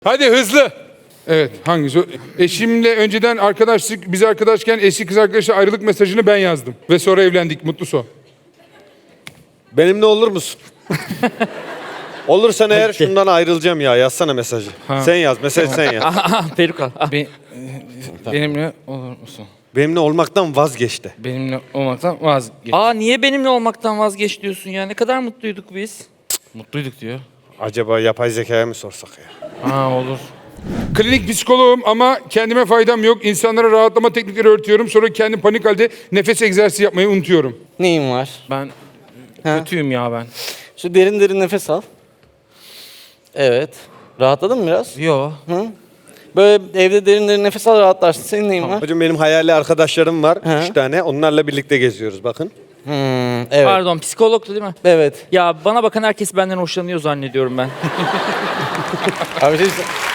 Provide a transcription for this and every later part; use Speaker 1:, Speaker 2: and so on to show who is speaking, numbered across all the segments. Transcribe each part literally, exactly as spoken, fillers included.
Speaker 1: Hadi hızlı. Evet, hangisi? Eşimle önceden arkadaşlık, biz arkadaşken eski kız arkadaşla ayrılık mesajını ben yazdım. Ve sonra evlendik, mutlu son.
Speaker 2: Benimle olur musun? Olursan eğer şundan ayrılacağım ya. Yazsana mesajı.
Speaker 1: Ha.
Speaker 2: Sen yaz, mesaj sen yaz.
Speaker 3: Aha, peruk al. Ah,
Speaker 4: Be- benimle olur musun?
Speaker 2: Benimle olmaktan vazgeç de.
Speaker 4: Benimle olmaktan vazgeç.
Speaker 3: Aa, niye benimle olmaktan vazgeç diyorsun ya? Ne kadar mutluyduk biz.
Speaker 4: Mutluyduk diyor.
Speaker 2: Acaba yapay zekaya mı sorsak ya?
Speaker 4: Ha olur.
Speaker 1: Klinik psikoloğum ama kendime faydam yok. İnsanlara rahatlama teknikleri öğretiyorum. Sonra kendim panik halde nefes egzersizi yapmayı unutuyorum.
Speaker 5: Neyin var?
Speaker 4: Ben
Speaker 5: Ha?
Speaker 4: kötüyüm ya ben.
Speaker 5: Şu derin derin nefes al. Evet. Rahatladın mı biraz?
Speaker 4: Yo.
Speaker 5: Hı? Böyle evde derin derin nefes al, rahatlarsın. Senin neyin var?
Speaker 2: Hocam benim hayali arkadaşlarım var.
Speaker 5: He.
Speaker 2: Üç tane. Onlarla birlikte geziyoruz bakın.
Speaker 5: Hmm, evet.
Speaker 3: Pardon, psikologtu değil mi?
Speaker 5: Evet.
Speaker 3: Ya bana bakan herkes benden hoşlanıyor zannediyorum ben.
Speaker 5: Abi şey...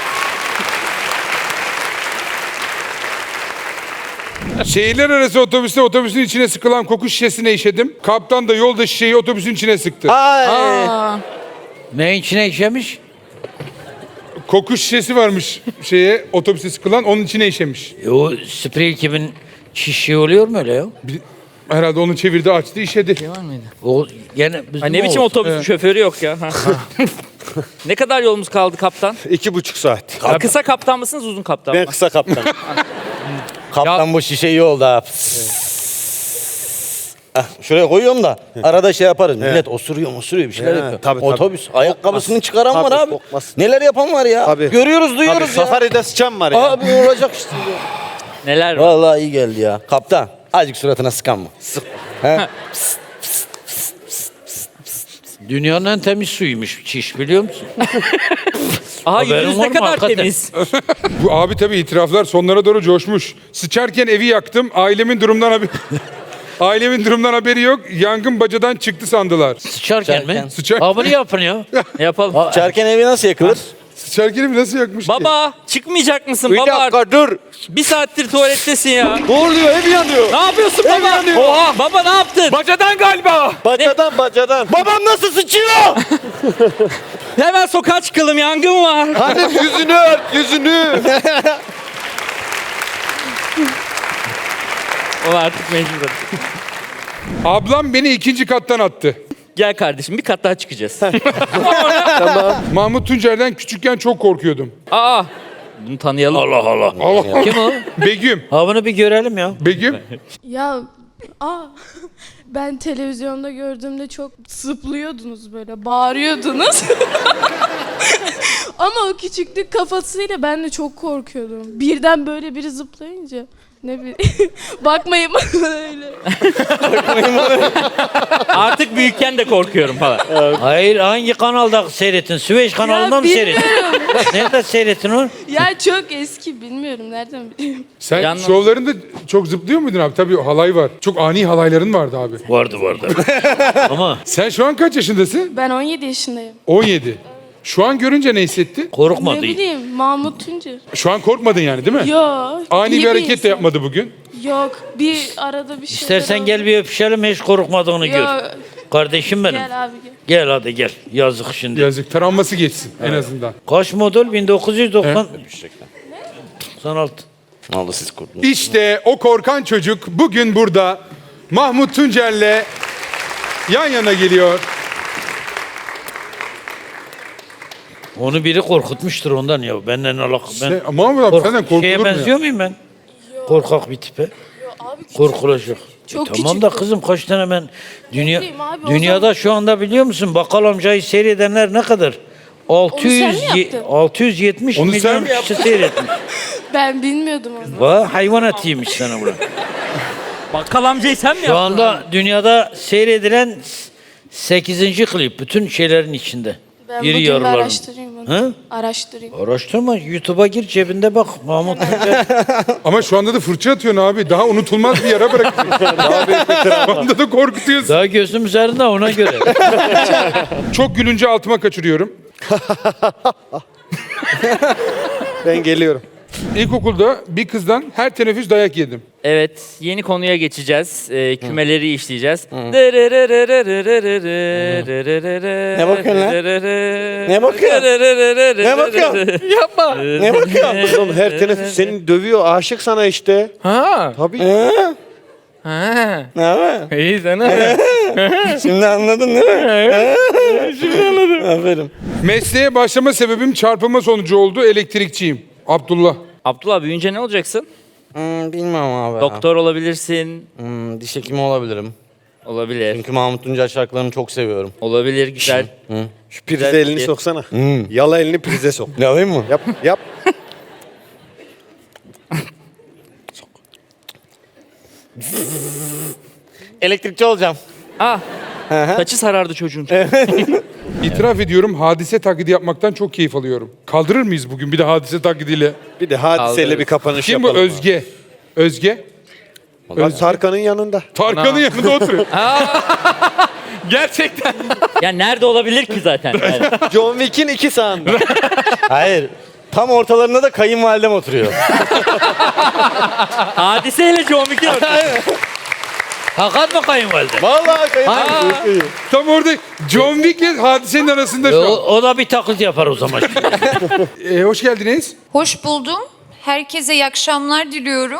Speaker 1: Şehirler arası otobüste otobüsün içine sıkılan koku şişesine işedim. Kaptan da yolda şişeyi otobüsün içine sıktı.
Speaker 5: Ay.
Speaker 3: Aa,
Speaker 6: Ne içine işemiş?
Speaker 1: Koku şişesi varmış şeye otobüste sıkılan, onun içine işemiş.
Speaker 6: E o sprey kimin şişi oluyor mu öyle ya?
Speaker 1: Bir- Herhalde onu çevirdi, açtı, işedi.
Speaker 3: şey var mıydı?
Speaker 6: O gene bizim
Speaker 3: Ha, ne biçim
Speaker 6: olsun.
Speaker 3: otobüsün şoförü yok ya. Ha. Ne kadar yolumuz kaldı kaptan?
Speaker 2: İki buçuk saat.
Speaker 3: Ya kısa kaptan mısınız, uzun kaptan mı?
Speaker 2: Ben kısa kaptan.
Speaker 5: Kaptan bu şişe iyi oldu ha. Ah, şuraya koyuyorum da arada şey yaparız. Millet osuruyor osuruyor bir şeyler
Speaker 2: He,
Speaker 5: yapıyor.
Speaker 2: tabii, tabii.
Speaker 5: Otobüs ayakkabısını çıkaran
Speaker 2: Tabii,
Speaker 5: var abi.
Speaker 2: kokmaz.
Speaker 5: Neler yapan var ya.
Speaker 2: Tabii.
Speaker 5: Görüyoruz
Speaker 2: Abi
Speaker 5: duyuyoruz ya.
Speaker 2: safaride sıçan var ya.
Speaker 5: Abi olacak işte.
Speaker 3: Neler var?
Speaker 5: Vallahi iyi geldi ya. Kaptan azıcık suratına sıkan mı? Sık. He?
Speaker 6: Dünyanın en temiz suyuymuş çiş, biliyor musun?
Speaker 3: Aha,
Speaker 6: Haberin
Speaker 3: yüzünüz
Speaker 6: var
Speaker 3: ne
Speaker 6: mı
Speaker 3: kadar
Speaker 6: hakikaten?
Speaker 3: temiz.
Speaker 1: Bu abi tabii itiraflar sonlara doğru coşmuş. Sıçarken evi yaktım, ailemin durumdan haberi... Ailemin durumdan haberi yok. Yangın bacadan çıktı sandılar.
Speaker 6: Sıçarken,
Speaker 5: Sıçarken.
Speaker 6: mi?
Speaker 1: Sıçar-
Speaker 6: Ha bunu yapın ya.
Speaker 3: Ne yapalım?
Speaker 5: Çerken evi nasıl yakılır?
Speaker 1: Sıçarken evi nasıl yakmış ki?
Speaker 3: Baba, çıkmayacak mısın
Speaker 2: Bir
Speaker 3: baba?
Speaker 2: dakika dur.
Speaker 3: Bir saattir tuvalettesin ya.
Speaker 2: Ne oluyor? Ev yanıyor.
Speaker 3: Ne yapıyorsun baba?
Speaker 2: yanıyor.
Speaker 3: Oha, baba ne yaptın?
Speaker 1: Bacadan galiba.
Speaker 2: Bacadan bacadan.
Speaker 5: Babam nasıl sıçıyor?
Speaker 3: Hemen sokağa çıkalım, yangın var.
Speaker 2: Hadi yüzünü ört yüzünü.
Speaker 3: O artık mecbur.
Speaker 1: Ablam beni ikinci kattan attı.
Speaker 3: Gel kardeşim, bir kat daha çıkacağız.
Speaker 1: Mahmut Tuncer'den küçükken çok korkuyordum.
Speaker 3: Aa, bunu tanıyalım.
Speaker 6: Allah Allah.
Speaker 1: Allah.
Speaker 6: Kim o?
Speaker 1: Begüm.
Speaker 6: Ha bunu bir görelim ya.
Speaker 1: Begüm.
Speaker 7: Ya aa ben televizyonda gördüğümde çok zıplıyordunuz böyle, bağırıyordunuz. Ama o küçüklük kafasıyla ben de çok korkuyordum. Birden böyle biri zıplayınca ne bileyim. Bakmayın bana öyle.
Speaker 3: Artık büyükken de korkuyorum falan.
Speaker 6: Hayır, hangi kanalda seyrettin? Süveyş kanalında mı seyrettin? Nerede seyrettin onu?
Speaker 7: Ya çok eski, bilmiyorum nereden bileyim.
Speaker 1: Sen
Speaker 3: Yalnız-
Speaker 1: şovlarında çok zıplıyor muydun abi? Tabii halay var. Çok ani halayların vardı abi.
Speaker 6: Vardı vardı. Ama
Speaker 1: Sen şu an kaç yaşındasın?
Speaker 7: Ben on yedi yaşındayım.
Speaker 1: on yedi. Şu an görünce ne hissettin?
Speaker 6: korkmadı.
Speaker 7: Ne bileyim, Mahmut Tuncer.
Speaker 1: Şu an korkmadın yani değil mi?
Speaker 7: Yo.
Speaker 1: Ani
Speaker 7: iyi
Speaker 1: bir hareket de
Speaker 7: insan.
Speaker 1: yapmadı bugün.
Speaker 7: Yok, bir arada bir şey.
Speaker 6: İstersen gel bir öpüşelim, hiç korkmadığını gör.
Speaker 7: Yok.
Speaker 6: Kardeşim benim.
Speaker 7: Gel abi gel.
Speaker 6: Gel hadi gel. Yazık şimdi.
Speaker 1: Yazık, travması geçsin en azından.
Speaker 6: Kaç model? bin dokuz yüz doksan. doksan altı.
Speaker 5: Vallahi siz korktunuz.
Speaker 1: İşte o korkan çocuk bugün burada Mahmut Tuncer'le yan yana geliyor.
Speaker 6: Onu biri korkutmuştur ondan ya. Benden alakalı. Ben
Speaker 1: Sen, Mahmut abi
Speaker 6: kork-
Speaker 1: senden korkulur
Speaker 6: şeye
Speaker 1: mu ya?
Speaker 6: benziyor muyum ben? Korkak bir tipe.
Speaker 7: Abi küçük.
Speaker 6: Korkulacak.
Speaker 7: Çok
Speaker 6: E tamam
Speaker 7: küçük
Speaker 6: da
Speaker 7: bu.
Speaker 6: kızım kaç tane ben dünya
Speaker 7: bileyim abi, o
Speaker 6: dünyada
Speaker 7: zaman-
Speaker 6: şu anda biliyor musun bakkal amcayı seyredenler ne kadar? altı yüz
Speaker 7: Onu sen mi
Speaker 6: ye-
Speaker 7: yaptın?
Speaker 6: altı yüz yetmiş
Speaker 1: Onu sen
Speaker 6: milyon
Speaker 1: mi
Speaker 6: kişi seyretmiş.
Speaker 7: Ben bilmiyordum onu.
Speaker 6: Vay hayvan etiymiş sana buna.
Speaker 3: Bakkal amcayı sen mi
Speaker 6: Şu
Speaker 3: yaptın?
Speaker 6: anda dünyada seyredilen sekizinci klip bütün şeylerin içinde.
Speaker 7: Ben
Speaker 6: İri
Speaker 7: bugün bir
Speaker 6: yarıların.
Speaker 7: araştırayım onu.
Speaker 6: Hı?
Speaker 7: Araştırayım.
Speaker 6: Araştırma, YouTube'a gir, cebinde bak Mahmut Tuncer.
Speaker 1: Ama şu anda da fırça atıyorsun abi. Daha unutulmaz bir yara bırakıyorsun. Daha büyük bir travma. Şu anda da korkutuyorsun.
Speaker 6: Daha gözüm üzerinde ona göre.
Speaker 1: Çok gülünce altıma kaçırıyorum.
Speaker 2: Ben geliyorum.
Speaker 1: İlkokulda bir kızdan her teneffüs dayak yedim.
Speaker 3: Evet, yeni konuya geçeceğiz. Ee, kümeleri işleyeceğiz. Ne
Speaker 5: Ne bakıyorsun lan? Ne bakıyorsun? Ne bakıyorsun?
Speaker 3: Yapma.
Speaker 5: Ne bakıyorsun?
Speaker 2: Oğlum her teneffüs seni dövüyor. Aşık sana işte.
Speaker 4: Ha.
Speaker 2: Tabii.
Speaker 4: Ha.
Speaker 5: Ne haber?
Speaker 4: İyi sana.
Speaker 5: Şimdi anladın değil mi? Şimdi anladım. Aferin.
Speaker 1: Mesleğe başlama sebebim çarpılma sonucu oldu. Elektrikçiyim. Abdullah.
Speaker 3: Abdullah büyüyünce ne olacaksın?
Speaker 5: Hmm, bilmem abi.
Speaker 3: Doktor olabilirsin.
Speaker 5: Hmm, diş hekimi olabilirim.
Speaker 3: Olabilir.
Speaker 5: Çünkü Mahmut Tuncay şarkılarını çok seviyorum.
Speaker 3: Olabilir, güzel.
Speaker 2: Şu prize
Speaker 3: Güzel
Speaker 2: elini
Speaker 3: fikir.
Speaker 2: soksana. Yala elini prize sok.
Speaker 5: Ne alayım mı?
Speaker 2: Yap yap.
Speaker 5: Elektrikçi olacağım.
Speaker 3: Ah. Saçı sarardı çocuğun.
Speaker 1: İtiraf ediyorum hadise taklidi yapmaktan çok keyif alıyorum. Kaldırır mıyız bugün bir de hadise taklidiyle?
Speaker 2: Bir de hadiseyle
Speaker 3: Kaldırırız.
Speaker 2: bir kapanış
Speaker 1: Kim bu?
Speaker 2: yapalım.
Speaker 1: Özge. Özge.
Speaker 2: Bak Tarkan'ın yanında.
Speaker 1: Tarkan'ın yanında oturuyor.
Speaker 4: Gerçekten.
Speaker 3: Ya nerede olabilir ki zaten? Yani.
Speaker 2: John Wick'in iki sağında.
Speaker 5: Hayır. Tam ortalarında da kayınvalidem oturuyor.
Speaker 3: Hadiseyle John Wick'in ortaya.
Speaker 6: Hakan mı kayınvalide?
Speaker 2: Vallahi kayınvalide.
Speaker 1: Tam orada John Wick'le hadisenin arasında
Speaker 6: O,
Speaker 1: şu an.
Speaker 6: o da bir taklit yapar o zaman.
Speaker 1: Ee, hoş geldiniz.
Speaker 8: Hoş buldum. Herkese iyi akşamlar diliyorum.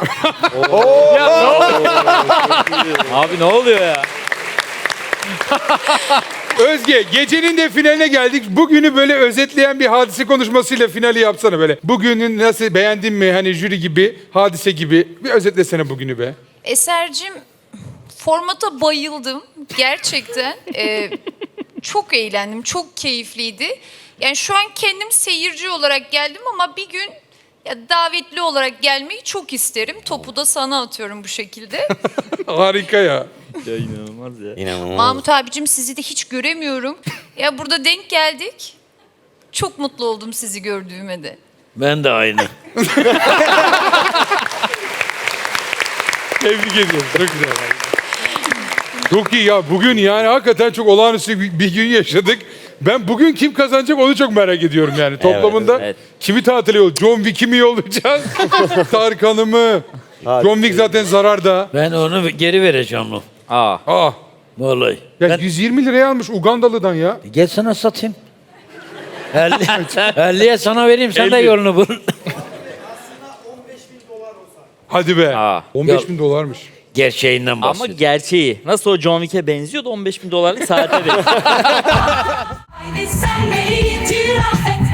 Speaker 3: Abi ne oluyor ya?
Speaker 1: Özge gecenin de finaline geldik. Bugünü böyle özetleyen bir hadise konuşmasıyla finali yapsana böyle. Bugünün nasıl beğendin mi hani jüri gibi, hadise gibi. Bir özetlesene bugünü be.
Speaker 8: Eser'cim formata bayıldım. Gerçekten. Ee, çok eğlendim. Çok keyifliydi. Yani şu an kendim seyirci olarak geldim ama bir gün ya davetli olarak gelmeyi çok isterim. Topu da sana atıyorum bu şekilde.
Speaker 1: Harika ya.
Speaker 3: Ya inanılmaz ya.
Speaker 5: İnanılmaz.
Speaker 8: Mahmut abicim sizi de hiç göremiyorum. Ya burada denk geldik. Çok mutlu oldum sizi gördüğüme de.
Speaker 6: Ben de aynı.
Speaker 1: Tebrik ediyorum. Çok güzel. Çok iyi ya. Bugün yani hakikaten çok olağanüstü bir, bir gün yaşadık. Ben bugün kim kazanacak onu çok merak ediyorum yani. Toplamında
Speaker 3: evet.
Speaker 1: kimi tatile yol? John Wick'i mi yollayacağız? Tarkan'ı mı? John Wick zaten zararda.
Speaker 6: Ben onu geri vereceğim o.
Speaker 3: Aa.
Speaker 1: Aa.
Speaker 6: Vallahi.
Speaker 1: Ya
Speaker 6: Ben,
Speaker 1: yüz yirmi liraya almış Ugandalı'dan ya.
Speaker 6: gel sana satayım. elliye sana vereyim sen de
Speaker 1: elli.
Speaker 6: yolunu bul.
Speaker 1: Hadi be.
Speaker 3: Aa.
Speaker 1: on beş
Speaker 6: Ya-
Speaker 1: bin dolarmış.
Speaker 6: Gerçeğinden
Speaker 3: Ama
Speaker 6: bahsediyorum.
Speaker 3: gerçeği. Nasıl o John Wick'e benziyordu on beş bin dolarlık saate veriyor.
Speaker 9: Aynı sen beni itiraf et.